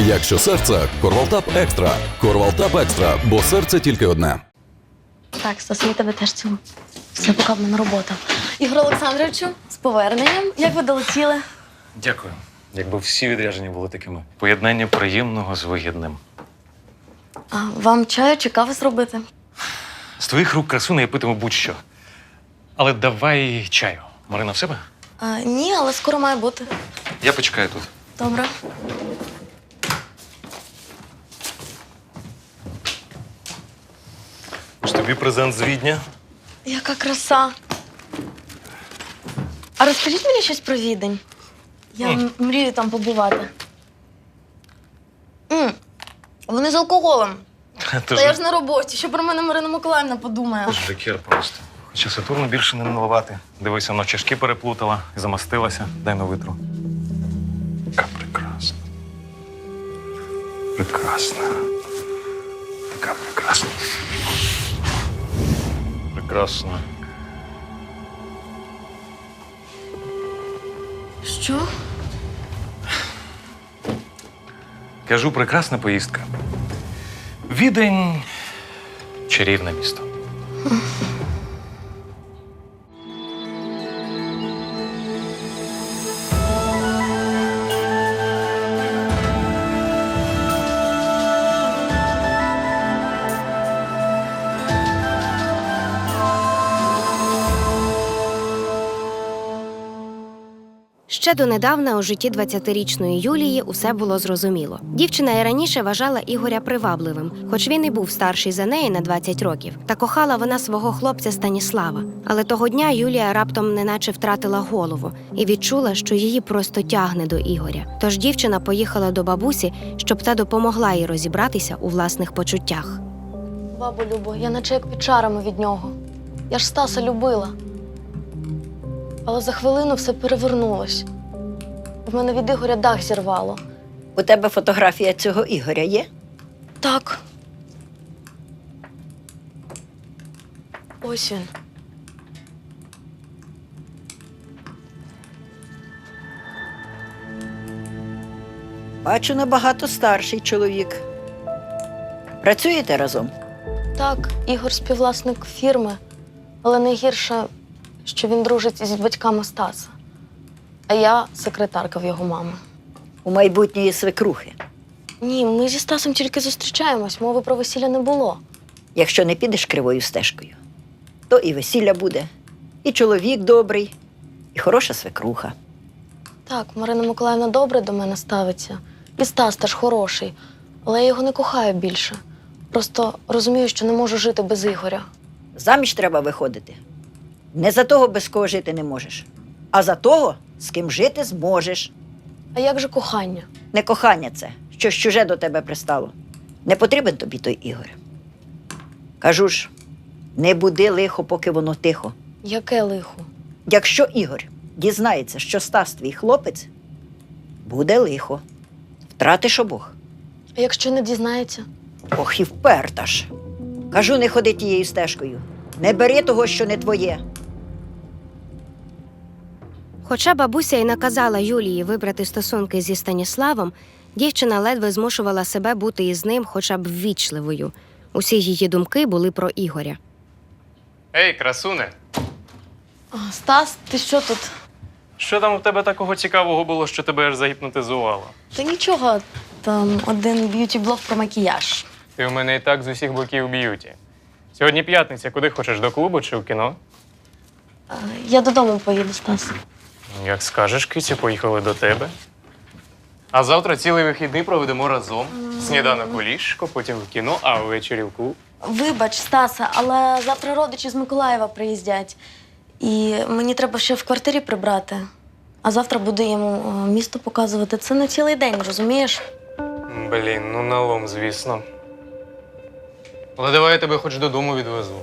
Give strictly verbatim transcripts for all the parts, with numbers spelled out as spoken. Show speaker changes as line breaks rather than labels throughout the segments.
Якщо серце, Корвалтап Екстра. Корвалтап Екстра, бо серце тільки одне.
Так, Стас, я тебе теж цілую. Все, поки в мене робота. Ігор Олександровичу, з поверненням. Як ви долетіли?
Дякую. Якби всі відрядження були такими. Поєднання приємного з вигідним.
А вам чаю чи кави зробити?
З твоїх рук, красуне, я питиму будь-що. Але давай чаю. Марина в себе?
А, ні, але скоро має бути.
Я почекаю тут.
Добре.
Ось тобі презент з Відня.
Яка краса. А розкажіть мені щось про Відень. Я
Ні.
м- мрію там побувати. М, Вони з алкоголем.
Ти
Та я ж на роботі. Що про мене Марина Миколаївна подумає?
Жакер просто. Хоча Сатурну більше не милувати. Дивися, вона чашки переплутала і замастилася. Дай на витру. Така прекрасна. Прекрасна. Така прекрасна. Прекрасна.
Що?
Кажу, прекрасна поїздка. Відень – чарівне місто.
Ще донедавна у житті двадцятирічної Юлії усе було зрозуміло. Дівчина і раніше вважала Ігоря привабливим, хоч він і був старший за неї на двадцять років. Та кохала вона свого хлопця Станіслава. Але того дня Юлія раптом неначе втратила голову і відчула, що її просто тягне до Ігоря. Тож дівчина поїхала до бабусі, щоб та допомогла їй розібратися у власних почуттях.
Бабу Любо, я наче як під чарами від нього. Я ж Стаса любила. Але за хвилину все перевернулось. В мене від Ігоря дах зірвало.
У тебе фотографія цього Ігоря є?
Так. Ось він.
Бачу, набагато старший чоловік. Працюєте разом?
Так, Ігор співвласник фірми, але найгірше, що він дружить із батьками Стаса. А я секретарка в його мами.
У майбутньої свекрухи.
Ні, ми зі Стасом тільки зустрічаємось, мови про весілля не було.
Якщо не підеш кривою стежкою, то і весілля буде, і чоловік добрий, і хороша свекруха.
Так, Марина Миколаївна добре до мене ставиться. І Стас теж хороший, але я його не кохаю більше. Просто розумію, що не можу жити без Ігоря.
Заміж треба виходити. Не за того, без кого жити не можеш, а за того, з ким жити зможеш.
А як же кохання?
Не кохання це, що чуже до тебе пристало. Не потрібен тобі той Ігор. Кажу ж, не буди лихо, поки воно тихо.
Яке лихо?
Якщо Ігор дізнається, що Стас твій хлопець, буде лихо. Втратиш обох.
А якщо не дізнається?
Ох, і вперта ж. Кажу, не ходи тією стежкою. Не бери того, що не твоє.
Хоча бабуся й наказала Юлії вибрати стосунки зі Станіславом, дівчина ледве змушувала себе бути із ним хоча б ввічливою. Усі її думки були про Ігоря.
Ей, красуне!
А, Стас, ти що тут?
Що там у тебе такого цікавого було, що тебе аж загіпнотизувало?
Та нічого, там один б'юті-блог про макіяж.
Ти у мене і так з усіх боків б'юті. Сьогодні п'ятниця, куди хочеш, до клубу чи в кіно?
А, я додому поїду, Стас.
Як скажеш, киця, поїхали до тебе. А завтра цілий вихідний проведемо разом. Сніданок у ліжко, потім в кіно, а ввечері в клуб.
Вибач, Стаса, але завтра родичі з Миколаєва приїздять. І мені треба ще в квартирі прибрати. А завтра буду йому о, місто показувати. Це на цілий день, розумієш?
Блін, ну налом, звісно. Але давай я тебе хоч додому відвезу.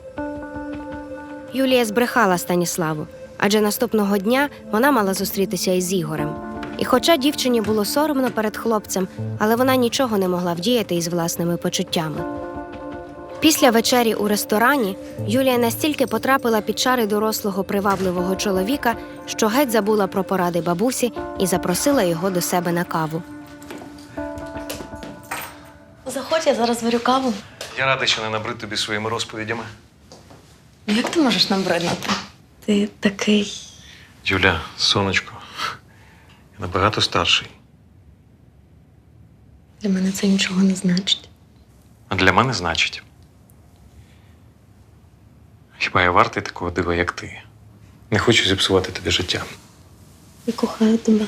Юлія збрехала Станіславу, адже наступного дня вона мала зустрітися із Ігорем. І хоча дівчині було соромно перед хлопцем, але вона нічого не могла вдіяти із власними почуттями. Після вечері у ресторані Юлія настільки потрапила під чари дорослого привабливого чоловіка, що геть забула про поради бабусі і запросила його до себе на каву.
Заходь, я зараз варю каву.
Я радий, що не набрид тобі своїми розповідями.
Ну, як ти можеш набриднути? Ти такий.
Юля, сонечко, я набагато старший.
Для мене це нічого не значить.
А для мене значить. Хіба я вартий такого дива, як ти? Не хочу зіпсувати тобі життя.
Я кохаю тебе.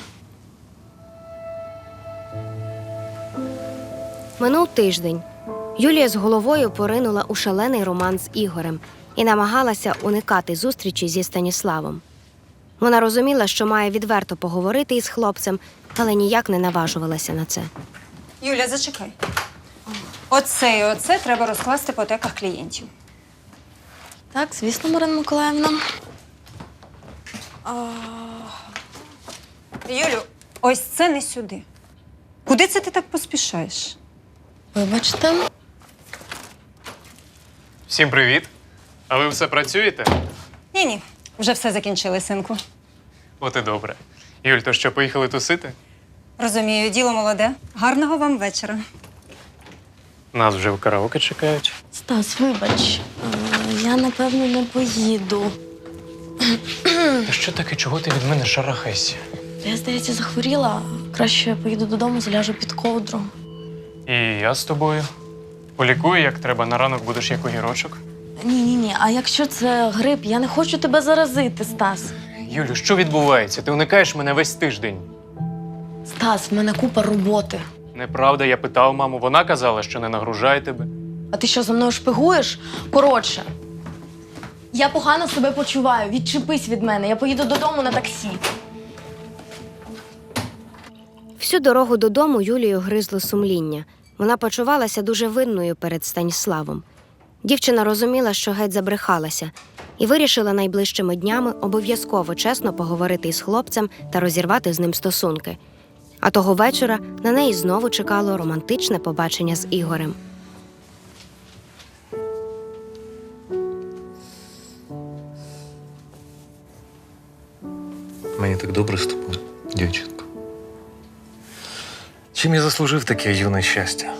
Минув тиждень. Юлія з головою поринула у шалений роман з Ігорем і намагалася уникати зустрічі зі Станіславом. Вона розуміла, що має відверто поговорити із хлопцем, але ніяк не наважувалася на це.
Юля, зачекай. Оце і оце треба розкласти по теках клієнтів.
Так, звісно, Марина Миколаївна.
Юлю, ось це не сюди. Куди це ти так поспішаєш?
Вибачте.
Всім привіт. А ви все працюєте?
Ні-ні, вже все закінчили, синку.
От і добре. Юль, то що, поїхали тусити?
Розумію, діло молоде. Гарного вам вечора.
Нас вже в караоке чекають.
Стас, вибач. Е, Я, напевно, не поїду.
Та що таке, чого ти від мене шарахайся?
Я, здається, захворіла. Краще я поїду додому, заляжу під ковдру.
І я з тобою. Полікую, як треба, на ранок будеш як огірочок.
Ні-ні-ні, а якщо це грип, я не хочу тебе заразити, Стас.
Юлю, що відбувається? Ти уникаєш мене весь тиждень.
Стас, в мене купа роботи.
Неправда, я питав маму, вона казала, що не нагружає тебе.
А ти що, за мною шпигуєш? Коротше, я погано себе почуваю. Відчепись від мене. Я поїду додому на таксі.
Всю дорогу додому Юлію гризло сумління. Вона почувалася дуже винною перед Станіславом. Дівчина розуміла, що геть забрехалася, і вирішила найближчими днями обов'язково чесно поговорити із хлопцем та розірвати з ним стосунки. А того вечора на неї знову чекало романтичне побачення з Ігорем.
Мені так добре з тобою, дівчинко. Чим я заслужив таке юне щастя?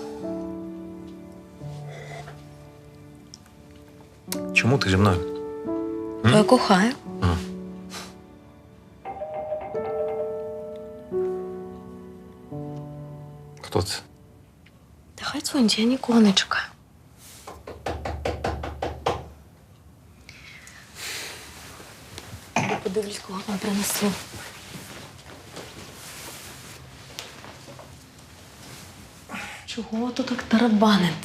Чому ти зі мною?
Бо я кохаю.
Хто це?
Та хай дзвонить, я нікого не чекаю. Я подивлюсь, кого там принесли. Чого тут так тарабанити?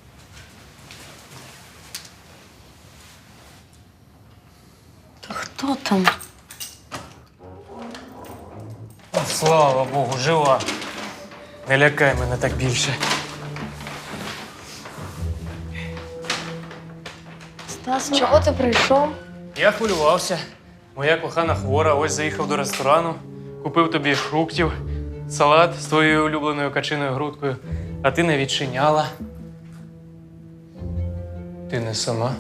Та хто там?
Слава Богу, жива. Не лякай мене так більше.
Стас, чого ти прийшов?
Я хвилювався. Моя кохана хвора, ось заїхав до ресторану, купив тобі фруктів, салат з твоєю улюбленою качиною грудкою, а ти не відчиняла. Ти не сама?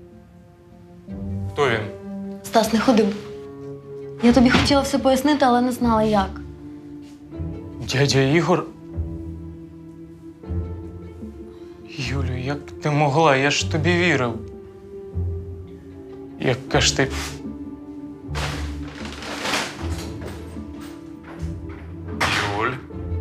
Хто він?
Стас, не ходи. Я тобі хотіла все пояснити, але не знала як.
Дядя Ігор? Юлю, як ти могла? Я ж тобі вірив. Яка ж ти...
Юль.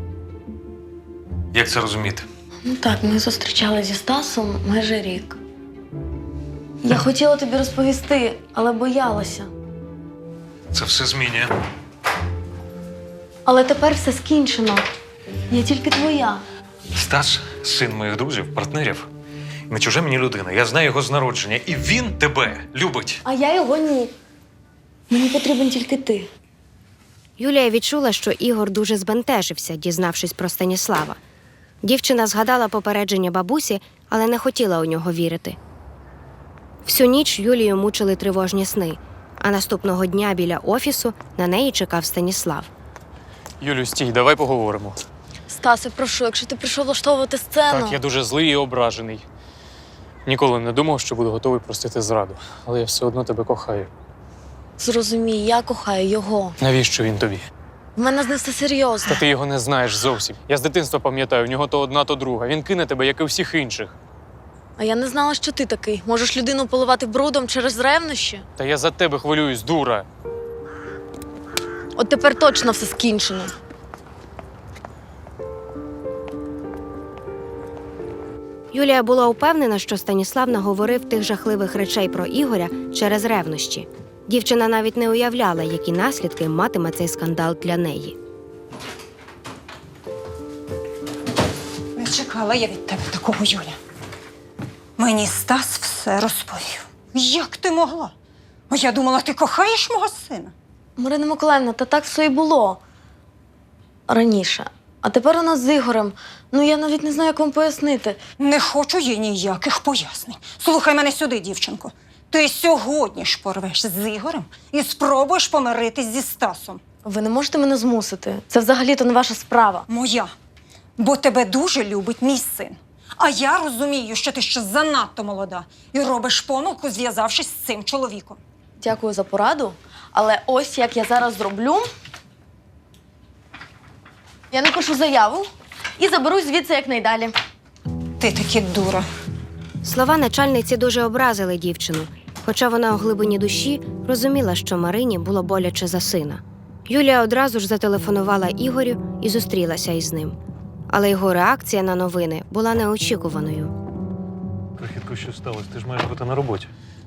Як це розуміти?
Ну так, ми зустрічалися зі Стасом майже рік. Я хотіла тобі розповісти, але боялася.
Це все змінює.
Але тепер все скінчено. Я тільки твоя.
Стас – син моїх друзів, партнерів. Не чужа мені людина. Я знаю його з народження. І він тебе любить.
А я його ні. Мені потрібен тільки ти.
Юлія відчула, що Ігор дуже збентежився, дізнавшись про Станіслава. Дівчина згадала попередження бабусі, але не хотіла у нього вірити. Всю ніч Юлію мучили тривожні сни, а наступного дня біля офісу на неї чекав Станіслав.
Юлю, стій, давай поговоримо.
Стасе, прошу, якщо ти прийшов влаштовувати сцену.
Так, я дуже злий і ображений. Ніколи не думав, що буду готовий простити зраду. Але я все одно тебе кохаю.
Зрозумій, я кохаю його.
Навіщо він тобі?
В мене з ним все серйозно.
Та ти його не знаєш зовсім. Я з дитинства пам'ятаю, в нього то одна, то друга. Він кине тебе, як і всіх інших.
А я не знала, що ти такий. Можеш людину поливати брудом через ревнощі?
Та я за тебе хвилююсь, дура.
От тепер точно все скінчено.
Юлія була упевнена, що Станіслав наговорив тих жахливих речей про Ігоря через ревнощі. Дівчина навіть не уявляла, які наслідки матиме цей скандал для неї.
Не чекала я від тебе такого, Юля. Мені Стас все розповів. Як ти могла? А я думала, ти кохаєш мого сина.
Марина Миколаївна, та так все і було. Раніше. А тепер у нас з Ігорем. Ну, я навіть не знаю, як вам пояснити.
Не хочу їй ніяких пояснень. Слухай мене сюди, дівчинко. Ти сьогодні ж порвеш з Ігорем і спробуєш помиритись зі Стасом.
Ви не можете мене змусити. Це взагалі-то не ваша справа.
Моя. Бо тебе дуже любить мій син. А я розумію, що ти ще занадто молода і робиш помилку, зв'язавшись з цим чоловіком.
Дякую за пораду. Але ось як я зараз зроблю. Я напишу заяву і заберусь звідси якнайдалі.
Ти таки дура.
Слова начальниці дуже образили дівчину, хоча вона у глибині душі розуміла, що Марині було боляче за сина. Юлія одразу ж зателефонувала Ігорю і зустрілася із ним. Але його реакція на новини була неочікуваною.
Крихітко, що сталося? Ти ж маєш бути на роботі.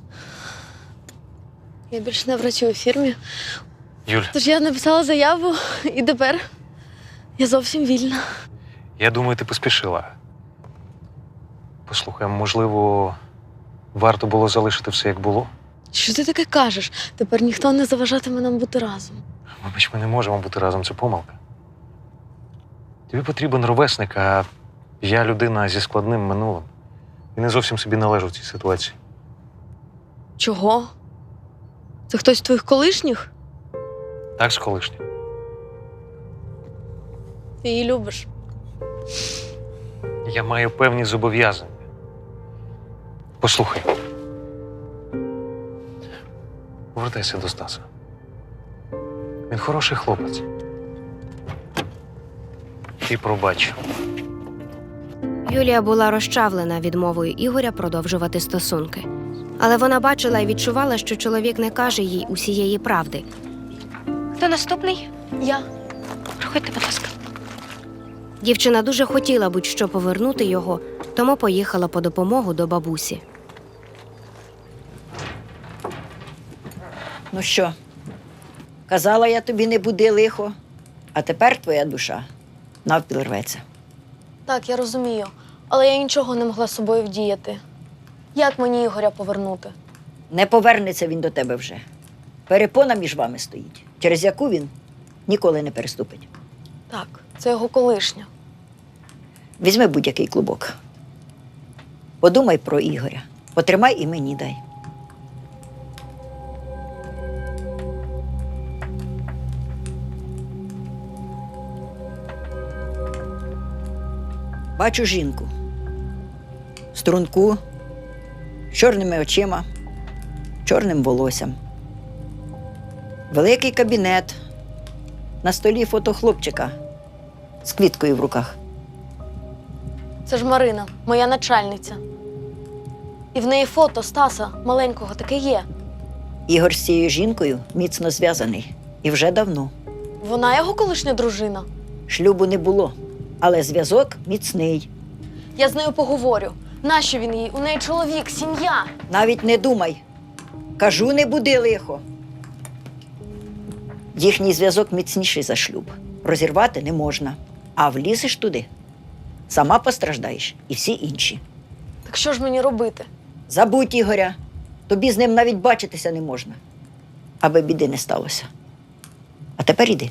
Я більше не працюю у фірмі.
Юль,
Тож я написала заяву, і тепер я зовсім вільна.
я думаю, ти поспішила. Послухай, можливо, варто було залишити все, як було?
Що ти таке кажеш? Тепер ніхто не заважатиме нам бути разом.
Вибач, ми не можемо бути разом, це помилка. Тобі потрібен ровесник, а я людина зі складним минулим. І не зовсім собі належу в цій ситуації.
Чого? Це хтось з твоїх колишніх?
Так, з колишнім.
Ти її любиш.
Я маю певні зобов'язання. Послухай. Повертайся до Стаса. Він хороший хлопець. Ти пробач.
Юлія була розчавлена відмовою Ігоря продовжувати стосунки. Але вона бачила і відчувала, що чоловік не каже їй усієї правди.
Хто наступний?
Я.
Проходьте, будь ласка.
Дівчина дуже хотіла будь-що повернути його, тому поїхала по допомогу до бабусі.
Ну що, казала я тобі, не буди лихо, а тепер твоя душа навпіл рветься.
Так, я розумію. Але я нічого не могла з собою вдіяти. Як мені Ігоря повернути?
Не повернеться він до тебе вже. Перепона між вами стоїть, через яку він ніколи не переступить.
Так, це його колишня.
Візьми будь-який клубок. Подумай про Ігоря. Потримай і мені дай. Бачу жінку. Струнку, з чорними очима, чорним волоссям. Великий кабінет. На столі фото хлопчика з квіткою в руках.
Це ж Марина, моя начальниця. І в неї фото Стаса маленького таке є.
Ігор з цією жінкою міцно зв'язаний. І вже давно.
Вона його колишня дружина.
Шлюбу не було, але зв'язок міцний.
Я з нею поговорю. Нащо він їй? У неї чоловік, сім'я.
Навіть не думай. Кажу, не буди лихо. Їхній зв'язок міцніший за шлюб. Розірвати не можна. А влізеш туди, сама постраждаєш і всі інші.
Так що ж мені робити?
Забудь Ігоря. Тобі з ним навіть бачитися не можна. Аби біди не сталося. А тепер іди.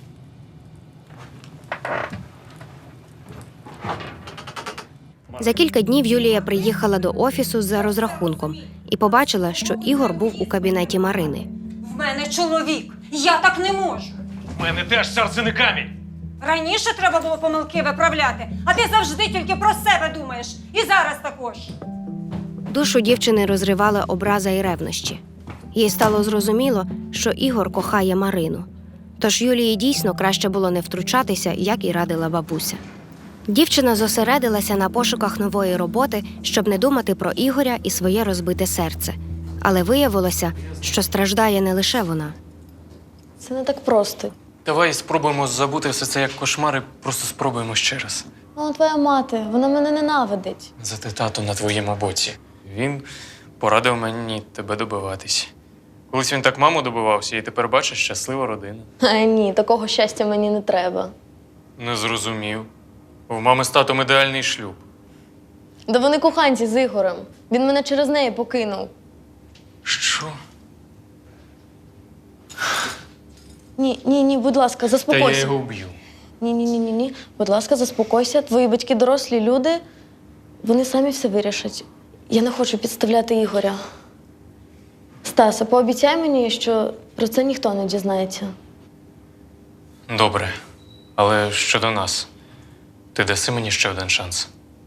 За кілька днів Юлія приїхала до офісу за розрахунком і побачила, що Ігор був у кабінеті Марини.
В мене чоловік. Я так не можу.
У мене теж серце не камінь.
Раніше треба було помилки виправляти, а ти завжди тільки про себе думаєш. І зараз також.
Душу дівчини розривала образа і ревнощі. Їй стало зрозуміло, що Ігор кохає Марину. Тож Юлії дійсно краще було не втручатися, як і радила бабуся. Дівчина зосередилася на пошуках нової роботи, щоб не думати про Ігоря і своє розбите серце. Але виявилося, що страждає не лише вона.
Це не так просто.
Давай спробуємо забути все це як кошмар і просто спробуємо ще раз.
Ну, твоя мати, вона мене ненавидить.
Зате тато на твоєму боці. Він порадив мені тебе добиватись. Колись він так маму добивався, і тепер бачиш щаслива родина.
А ні, такого щастя мені не треба.
Не зрозумів. У мами з татом ідеальний шлюб.
Да вони коханці з Ігорем. Він мене через неї покинув.
Що?
Ні, ні, ні, будь ласка,
Та я
заспокойся.
його вб'ю.
Ні, ні, ні, ні, ні. Будь ласка, заспокойся. Твої батьки дорослі люди. Вони самі все вирішать. Я не хочу підставляти Ігоря. Стасе, пообіцяй мені, що про це ніхто не дізнається.
Добре. Але щодо нас, ти даси мені ще один шанс.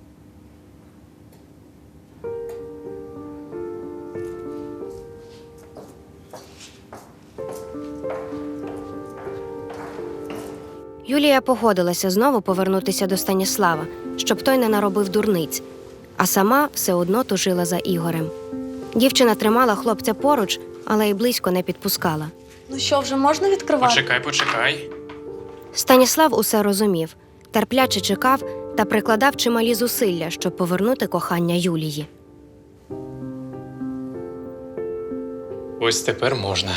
Юлія погодилася знову повернутися до Станіслава, щоб той не наробив дурниць, а сама все одно тужила за Ігорем. Дівчина тримала хлопця поруч, але й близько не підпускала.
Ну що, вже можна відкривати?
Почекай, почекай.
Станіслав усе розумів, терпляче чекав та прикладав чималі зусилля, щоб повернути кохання Юлії.
Ось тепер можна.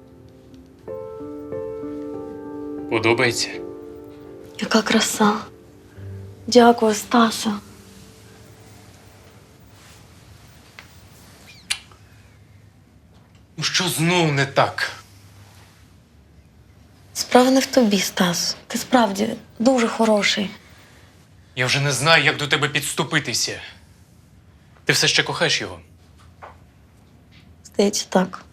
Подобається?
Яка краса. Дякую, Стаса.
Ну що знов не так?
Справа не в тобі, Стас. Ти справді дуже хороший.
Я вже не знаю, як до тебе підступитися. Ти все ще кохаєш його?
Здається, так.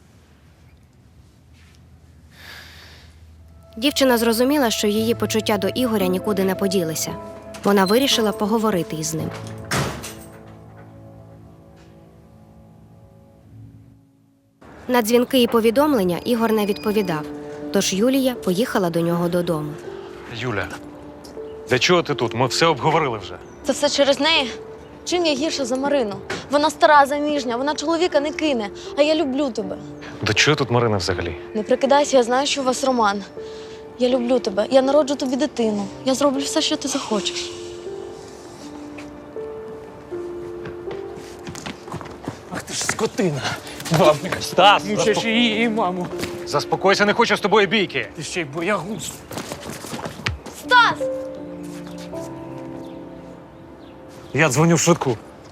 Дівчина зрозуміла, що її почуття до Ігоря нікуди не поділися. Вона вирішила поговорити із ним. На дзвінки і повідомлення Ігор не відповідав, тож Юлія поїхала до нього додому.
Юля, для чого ти тут? Ми все обговорили вже.
Це все через неї? Чим я гірша за Марину? Вона стара, заміжня, вона чоловіка не кине, а я люблю тебе.
До чого тут Марина взагалі?
Не прикидайся, я знаю, що у вас роман. Я люблю тебе, я народжу тобі дитину. Я зроблю все, що ти захочеш.
Ах ти ж скотина! Бабник,
Стас!
мучиш її і маму.
Заспокойся, не хочу з тобою бійки.
Ти ще й боягуз.
Стас!
Я дзвоню в швидку.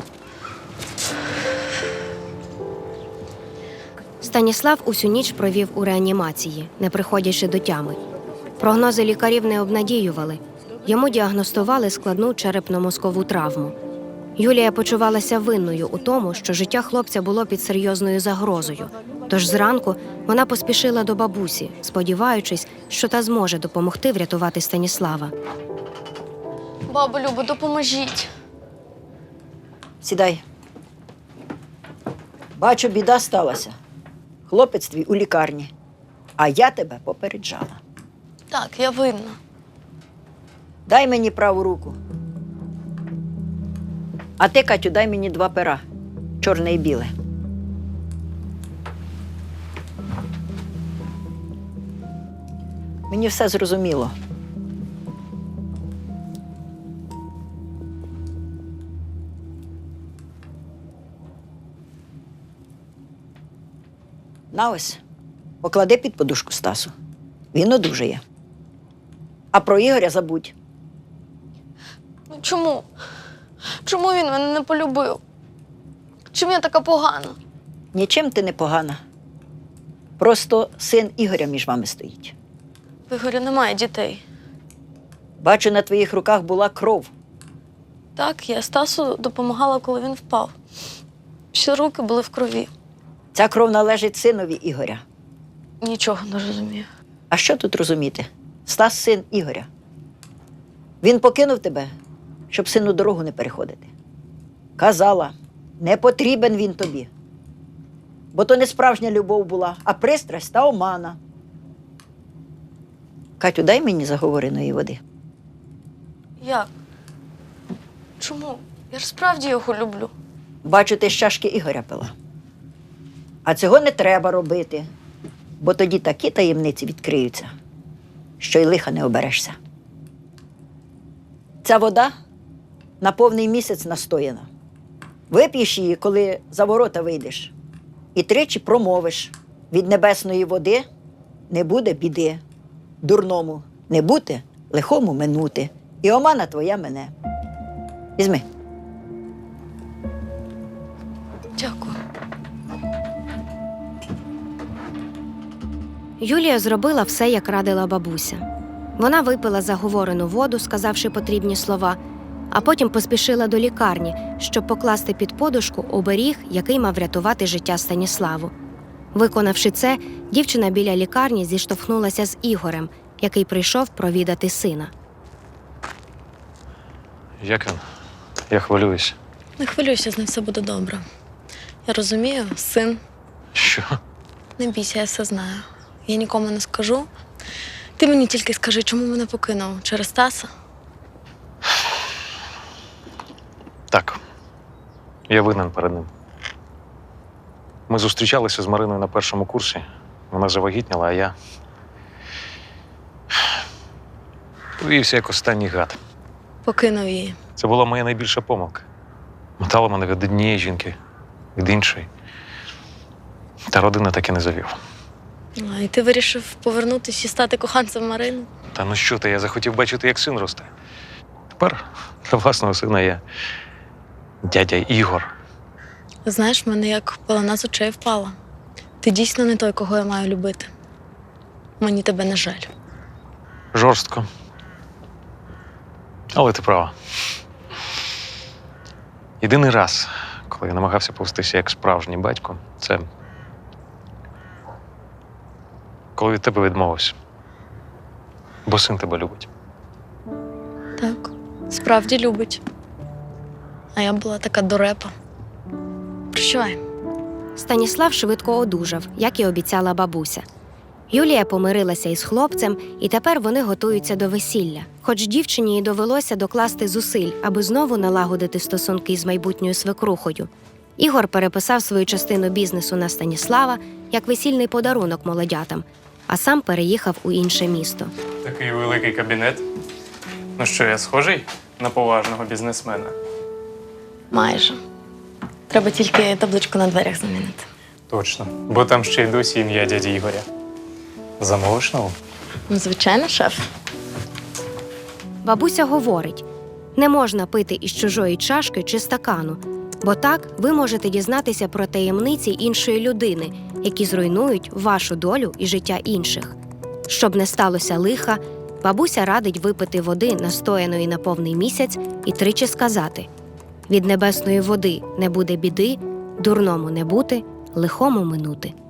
Станіслав усю ніч провів у реанімації, не приходячи до тями. Прогнози лікарів не обнадіювали. Йому діагностували складну черепно-мозкову травму. Юлія почувалася винною у тому, що життя хлопця було під серйозною загрозою. Тож зранку вона поспішила до бабусі, сподіваючись, що та зможе допомогти врятувати Станіслава.
Бабу Любо, допоможіть.
Сідай. Бачу, біда сталася. Хлопець твій у лікарні, а я тебе попереджала.
Так, я винна.
Дай мені праву руку. А ти, Катю, дай мені два пера. Чорне і біле. Мені все зрозуміло. На ось, поклади під подушку Стасу. Він одужає. А про Ігоря забудь.
Ну чому? Чому він мене не полюбив? Чим я така погана?
Нічим ти не погана. Просто син Ігоря між вами стоїть.
В Ігоря немає дітей.
Бачу, на твоїх руках була кров.
Так, я Стасу допомагала, коли він впав. Ще руки були в крові.
Ця кров належить синові Ігоря.
Нічого не розумію.
А що тут розуміти? Стас – син Ігоря. Він покинув тебе, щоб сину дорогу не переходити. Казала, не потрібен він тобі. Бо то не справжня любов була, а пристрасть та омана. Катю, дай мені заговореної води.
Як? Чому? Я ж справді його люблю.
Бачу, ти з чашки Ігоря пила. А цього не треба робити, бо тоді такі таємниці відкриються, що й лиха не оберешся. Ця вода на повний місяць настояна. Вип'єш її, коли за ворота вийдеш, і тричі промовиш: від небесної води не буде біди, дурному не бути, лихому минути, і омана твоя мене. Візьми.
Дякую.
Юлія зробила все, як радила бабуся. Вона випила заговорену воду, сказавши потрібні слова, а потім поспішила до лікарні, щоб покласти під подушку оберіг, який мав врятувати життя Станіславу. Виконавши це, дівчина біля лікарні зіштовхнулася з Ігорем, який прийшов провідати сина.
Як він? Я хвилююсь.
Не хвилюйся, з ним все буде добре. Я розумію, син,
Що?
не бійся, я все знаю. Я нікому не скажу. Ти мені тільки скажи, чому мене покинув? Через Стаса?
Так. Я винен перед ним. Ми зустрічалися з Мариною на першому курсі. Вона завагітніла, а я повівся як останній гад.
Покинув її.
Це була моя найбільша помилка. Мотала мене від однієї жінки, від іншої. Та родина так і не завів.
А, і ти вирішив повернутися і стати коханцем Марини?
Та ну що ти, я захотів бачити, як син росте. Тепер для власного сина я дядя Ігор.
Знаєш, в мене як пелена з очей впала. Ти дійсно не той, кого я маю любити. Мені тебе не жаль.
Жорстко. Але ти права. Єдиний раз, коли я намагався повестися як справжній батько, це коли від тебе відмовився. Бо син тебе любить.
Так, справді любить. А я була така дурепа. Прощавай.
Станіслав швидко одужав, як і обіцяла бабуся. Юлія помирилася із хлопцем, і тепер вони готуються до весілля. Хоч дівчині й довелося докласти зусиль, аби знову налагодити стосунки з майбутньою свекрухою. Ігор переписав свою частину бізнесу на Станіслава як весільний подарунок молодятам, а сам переїхав у інше місто.
Такий великий кабінет. Ну що, я схожий на поважного бізнесмена?
Майже. Треба тільки табличку на дверях замінити.
Точно. Бо там ще й досі ім'я дяді Ігоря. Замовиш нову?
Ну, звичайно, шеф.
Бабуся говорить, не можна пити із чужої чашки чи стакану, бо так ви можете дізнатися про таємниці іншої людини, які зруйнують вашу долю і життя інших. Щоб не сталося лиха, бабуся радить випити води, настояної на повний місяць, і тричі сказати: від небесної води не буде біди, дурному не бути, лихому минути.